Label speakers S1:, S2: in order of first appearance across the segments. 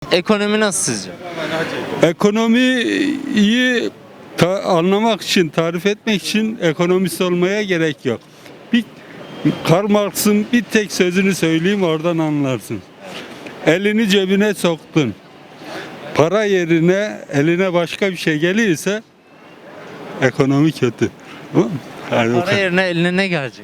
S1: Ekonomi nasıl sizce?
S2: Ekonomiyi anlamak için, tarif etmek için ekonomist olmaya gerek yok. Bir Karl Marx'ın bir tek sözünü söyleyeyim, oradan anlarsın. Elini cebine soktun. Para yerine eline başka bir şey gelirse ekonomi kötü. Tamam mı? Hadi
S1: Para
S2: bakalım.
S1: yerine eline ne gelecek?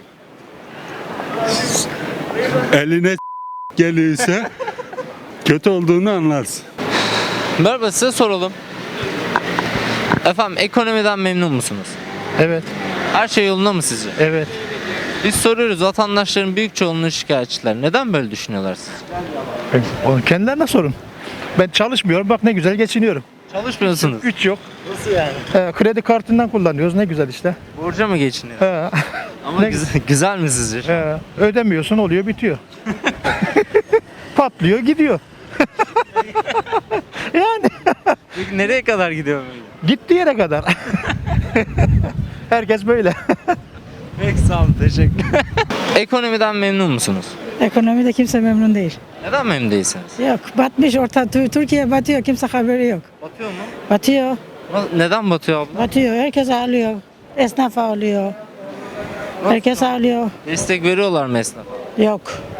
S2: Eline gelirse kötü olduğunu anlarsın.
S1: Merhaba, size soralım. Efendim, ekonomiden memnun musunuz?
S3: Evet,
S1: Her şey yolunda mı sizce?
S3: evet.
S1: Biz soruyoruz, vatandaşların büyük çoğunluğu şikayetçiler. Neden böyle düşünüyorlar sizce?
S3: Onu kendilerine sorun. Ben çalışmıyorum, bak ne güzel geçiniyorum.
S1: Çalışmıyorsunuz.
S3: Güç yok.
S1: Nasıl yani?
S3: Kredi kartından kullanıyoruz, ne güzel işte.
S1: Borca mı geçiniyor?
S3: He,
S1: Ama
S3: Ne-
S1: güzel mi sizce?
S3: ödemiyorsun, oluyor, bitiyor. Patlıyor, gidiyor. Yani
S1: Peki nereye kadar gidiyor böyle?
S3: gittiği yere kadar. Herkes böyle.
S1: Peki, sağ olun, teşekkür. Ekonomiden memnun musunuz?
S4: Ekonomide kimse memnun değil.
S1: Neden memnun değilsiniz?
S4: Yok, batmış Türkiye batıyor, kimse haberi yok.
S1: Batıyor mu?
S4: Batıyor,
S1: Neden batıyor abla?
S4: batıyor, herkes ağlıyor. Esnaf ağlıyor. Herkes ağlıyor.
S1: Destek veriyorlar mı esnafa?
S4: Yok.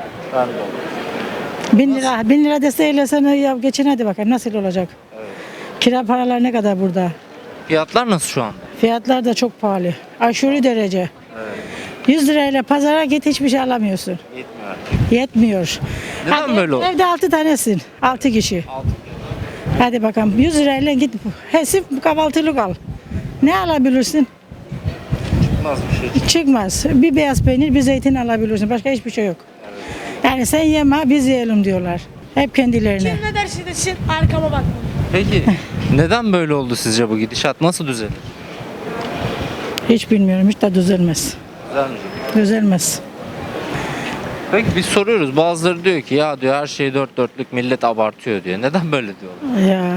S4: 1.000 lira desteğiyle sana ya geçin hadi bakalım nasıl olacak? Kira paralar ne kadar burada?
S1: Fiyatlar nasıl şu anda?
S4: Fiyatlar da çok pahalı. Aşırı derece. 100 lirayla pazara git hiçbir şey alamıyorsun. Yetmiyor.
S1: Neden
S4: Hadi
S1: böyle oldu?
S4: Evde 6 tanesin. 6 kişi. Hadi bakalım 100 lirayla git. Hesif kahvaltılık al. Ne alabilirsin?
S1: Çıkmaz bir şey.
S4: Çıkmaz. Bir beyaz peynir, bir zeytin alabilirsin. Başka hiçbir şey yok. Yani sen yeme, biz yiyelim diyorlar. Hep kendilerine.
S5: Kim ne derse desin arkama bakma.
S1: Peki neden böyle oldu sizce bu gidişat? Nasıl düzelir?
S4: Hiç bilmiyorum. Hiç de düzelmez.
S1: Düzelmeyecek.
S4: Düzelmez.
S1: Peki biz soruyoruz. Bazıları diyor ki ya diyor her şey dört dörtlük, millet abartıyor diyor. Neden böyle diyorlar?
S4: Ya.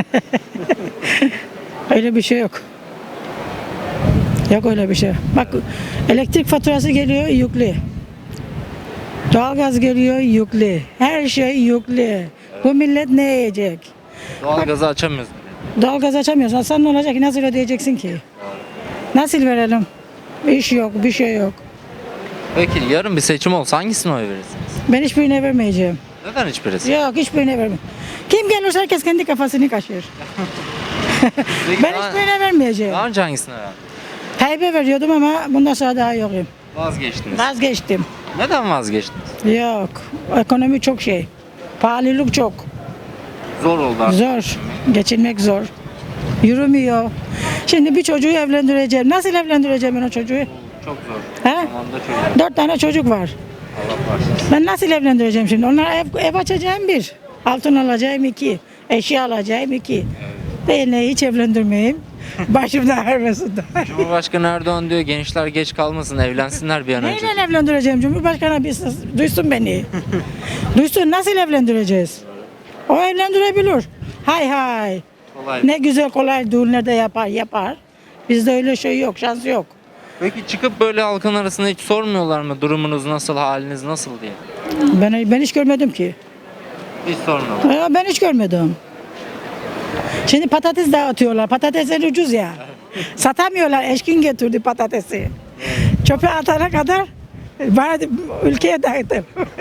S4: Öyle bir şey yok. Yok öyle bir şey. Bak elektrik faturası geliyor yüklü. Doğalgaz geliyor yüklü. Her şey yüklü. Bu millet ne yiyecek?
S1: Doğalgazı açamıyoruz.
S4: Doğalgaz açamıyorsan sen ne olacak ki? Nasıl ödeyeceksin ki? Nasıl verelim? İş yok, bir şey yok.
S1: Peki yarın bir seçim olsa hangisine oy verirsiniz?
S4: Ben hiçbirine vermeyeceğim.
S1: Neden hiçbirisi?
S4: Yok hiçbirine vermem. Kim gelirse herkes kendi kafasını kaşır.
S1: Peki
S4: Ben hiçbirine vermeyeceğim.
S1: daha önce hangisine verdin?
S4: Tayyip'e veriyordum ama bundan sonra daha yokum.
S1: Vazgeçtiniz.
S4: Vazgeçtim.
S1: Neden vazgeçtiniz?
S4: Yok. Ekonomi çok şey. Pahalılık çok.
S1: Zor oldu artık.
S4: Zor. Geçinmek zor. Yürümüyor. Şimdi bir çocuğu evlendireceğim. Nasıl evlendireceğim ben o çocuğu?
S1: Çok zor.
S4: He?
S1: Zamanda çok.
S4: 4 tane çocuk var.
S1: Allah bağışlasın.
S4: Ben nasıl evlendireceğim şimdi? Onlara ev açacağım bir. Altın alacağım 2. Eşya alacağım 2. Beni hiç evlendirmeyeyim. Başımda ağrımasın da.
S1: Cumhurbaşkanı Erdoğan diyor gençler geç kalmasın, evlensinler bir an önce.
S4: Neyle evlendireceğim? Cumhurbaşkanı bir duysun beni. Duysun nasıl evlendireceğiz? O evlendirebilir. Hay hay.
S1: Kolay.
S4: Ne güzel kolay düğünlerde yapar. Bizde öyle şey yok, şans yok.
S1: Peki çıkıp böyle halkın arasında hiç sormuyorlar mı durumunuz nasıl, haliniz nasıl diye?
S4: Ben hiç görmedim ki.
S1: Hiç sormuyorlar.
S4: Ben hiç görmedim. Şimdi patates dağıtıyorlar. Patatesler ucuz ya. Satamıyorlar. Eşkin getirdi patatesi. Çöpe atana kadar bana ülkeye dağıtır.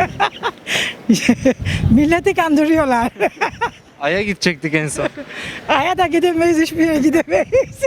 S4: Milleti kandırıyorlar.
S1: Ay'a gidecektik en son.
S4: Aya da gidemeyiz, hiçbir yere gidemeyiz.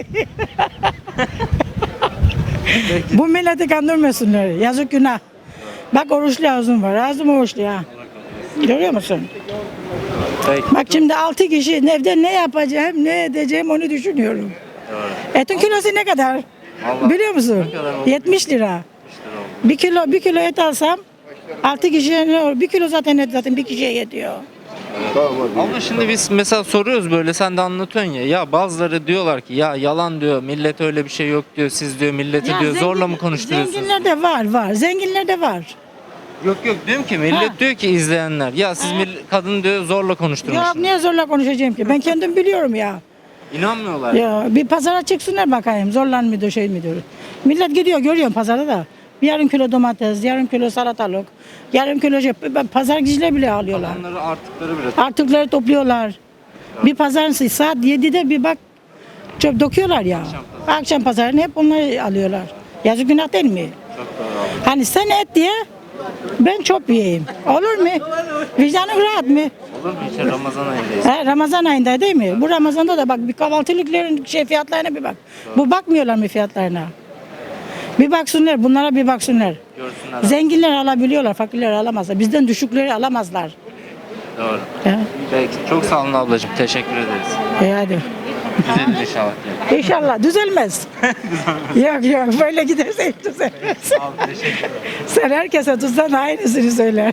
S4: Bu milleti kandırmasınlar. Yazık günah. Bak oruçlu ağzım var. Ağzım oruçlu ya. Görüyor musun?
S1: Peki.
S4: Bak şimdi 6 kişi evde ne yapacağım, ne edeceğim onu düşünüyorum. Etin kilosu ne kadar?
S1: Vallahi
S4: Biliyor musun?
S1: ne kadar oldu?
S4: 70 lira. Bir kilo et alsam 6 kişiye ne olur? 1 kilo zaten et zaten bir kişiye yetiyor.
S1: Ama şimdi biz mesela soruyoruz böyle sen de anlatıyorsun ya bazıları diyorlar ki ya yalan diyor millet öyle bir şey yok diyor siz diyor milleti
S4: Ya
S1: diyor zorla mı konuşturuyorsunuz?
S4: Zenginler de var. Zenginler de var.
S1: Yok diyorum ki millet diyor ki izleyenler ya siz kadın diyor zorla
S4: Yok
S1: konuşturmuşsunuz.
S4: niye zorla konuşacağım ki? Ben kendim biliyorum ya.
S1: İnanmıyorlar.
S4: Ya bir pazara çıksınlar bakayım zorlan mıdır şey midir? Millet gidiyor görüyorum pazarda da. Yarım kilo domates, yarım kilo salatalık, yarım kilo pazar gizle bile alıyorlar.
S1: Onları artıkları bile.
S4: Artıkları topluyorlar. Bir pazarın saat 7'de bir bak çöp döküyorlar ya. Akşam pazarını hep onları alıyorlar. Yazık günah değil mi? Hani sen et diye ben çöp yiyeyim. Olur mu? Vicdanın rahat mı?
S1: Olur mu hiç? Ramazan ayındayız.
S4: Ramazan ayında değil mi? Bu Ramazan'da da bak bir kahvaltılıkların fiyatlarına bir bak. Bu bakmıyorlar mı fiyatlarına? Bir baksınlar, bunlara bir baksınlar.
S1: Görsünler.
S4: Zenginler alabiliyorlar, fakirler alamazlar. Bizden düşükleri alamazlar.
S1: Doğru.
S4: He?
S1: Peki. Çok sağ olun ablacığım. Teşekkür ederiz.
S4: Hadi.
S1: Düzelir inşallah.
S4: İnşallah düzelmez. Yok böyle giderse hiç düzelmez.
S1: Sağ olun. Teşekkür ederim.
S4: Sen herkese tutsan aynısını söyler.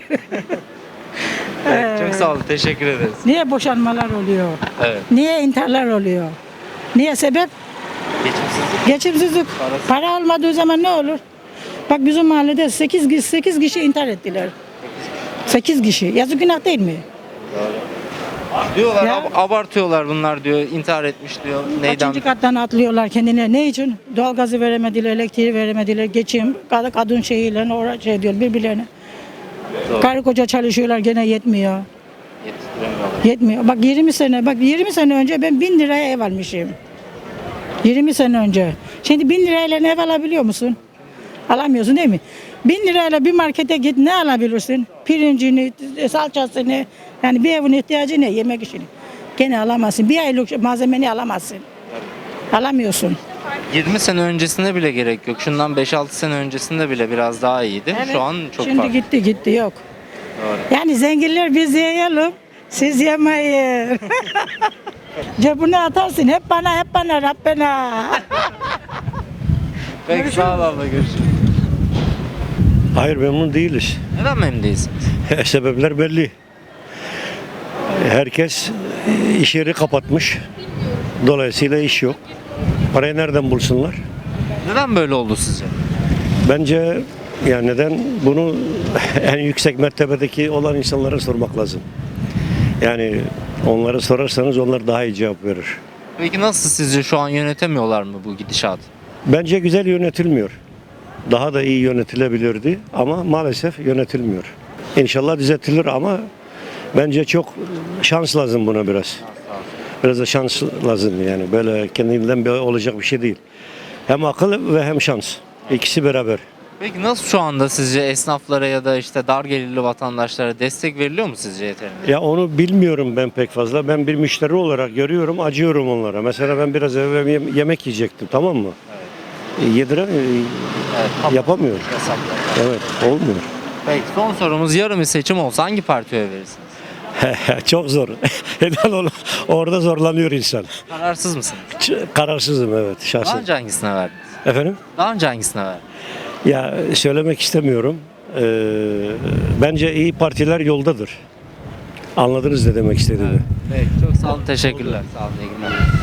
S1: Çok sağ olun. Teşekkür ederiz.
S4: Niye boşanmalar oluyor?
S1: Evet.
S4: Niye intiharlar oluyor? Niye sebep?
S1: Geçimsizlik.
S4: Geçimsizlik. Para olmadığı zaman ne olur? Bak bizim mahallede 8 kişi intihar ettiler. 8 kişi. Yazık günah değil mi?
S1: Diyorlar
S4: Ya.
S1: abartıyorlar bunlar diyor. İntihar etmiş diyor. Neyden?
S4: Kaçıncı kattan atlıyorlar kendine. Ne için? Doğalgazı veremediler, elektriği veremediler. Geçim, kadın şeyiyle şey diyor birbirlerine.
S1: Doğru.
S4: Karı koca çalışıyorlar gene yetmiyor.
S1: Yetiştiremiyorlar.
S4: Yetmiyor. Bak 20 sene önce ben 1000 liraya ev almışım. 20 sene önce. Şimdi 1000 lirayla ev alabiliyor musun? Alamıyorsun değil mi? 1000 lirayla bir markete git ne alabilirsin? Pirincini, salçasını, yani bir evin ihtiyacı ne? Yemek işini. Gene alamazsın. Bir aylık malzemeni alamazsın. Alamıyorsun.
S1: 20 sene öncesinde bile gerek yok. Şundan 5-6 sene öncesinde bile biraz daha iyiydi.
S4: Evet.
S1: Şu an çok
S4: Şimdi
S1: farklı.
S4: gitti yok.
S1: Doğru.
S4: Yani zenginler biz yiyelim, siz yemeyin. Cebine atarsın hep bana Rabbena.
S1: Peki sağ ol abla görüşürüz.
S6: Hayır memnun değiliz.
S1: Neden memnun değilsiniz?
S6: Sebepler belli. Herkes iş yeri kapatmış. Dolayısıyla iş yok. Parayı nereden bulsunlar?
S1: Neden böyle oldu sizce?
S6: Bence yani neden bunu en yüksek mertebedeki olan insanlara sormak lazım. Yani onlara sorarsanız onlar daha iyi cevap verir.
S1: Peki nasıl sizce şu an yönetemiyorlar mı bu gidişatı?
S6: Bence güzel yönetilmiyor. Daha da iyi yönetilebilirdi ama maalesef yönetilmiyor. İnşallah düzeltilir ama bence çok şans lazım buna biraz. Biraz da şans lazım yani böyle kendinden böyle olacak bir şey değil. Hem akıl ve hem şans. İkisi beraber.
S1: Peki nasıl şu anda sizce esnaflara ya da işte dar gelirli vatandaşlara destek veriliyor mu sizce yeterince?
S6: Ya onu bilmiyorum ben pek fazla. Ben bir müşteri olarak görüyorum, acıyorum onlara. Mesela ben biraz evvel yemek yiyecektim, tamam mı? Yapamıyor.
S1: Yasaklar.
S6: Evet, olmuyor.
S1: Peki son sorumuz yarın bir seçim olsa hangi partiye oy verirsiniz?
S6: Çok zor. Orada zorlanıyor insan.
S1: Kararsız mısınız?
S6: Kararsızım evet
S1: Daha
S6: şahsen.
S1: önce hangisine verdiniz?
S6: Efendim?
S1: Daha önce hangisine verdiniz?
S6: Ya söylemek istemiyorum. Bence iyi partiler yoldadır. Anladınız ne demek istediğimi.
S1: Peki çok sağ olun teşekkürler. Sağ olun iyi günler.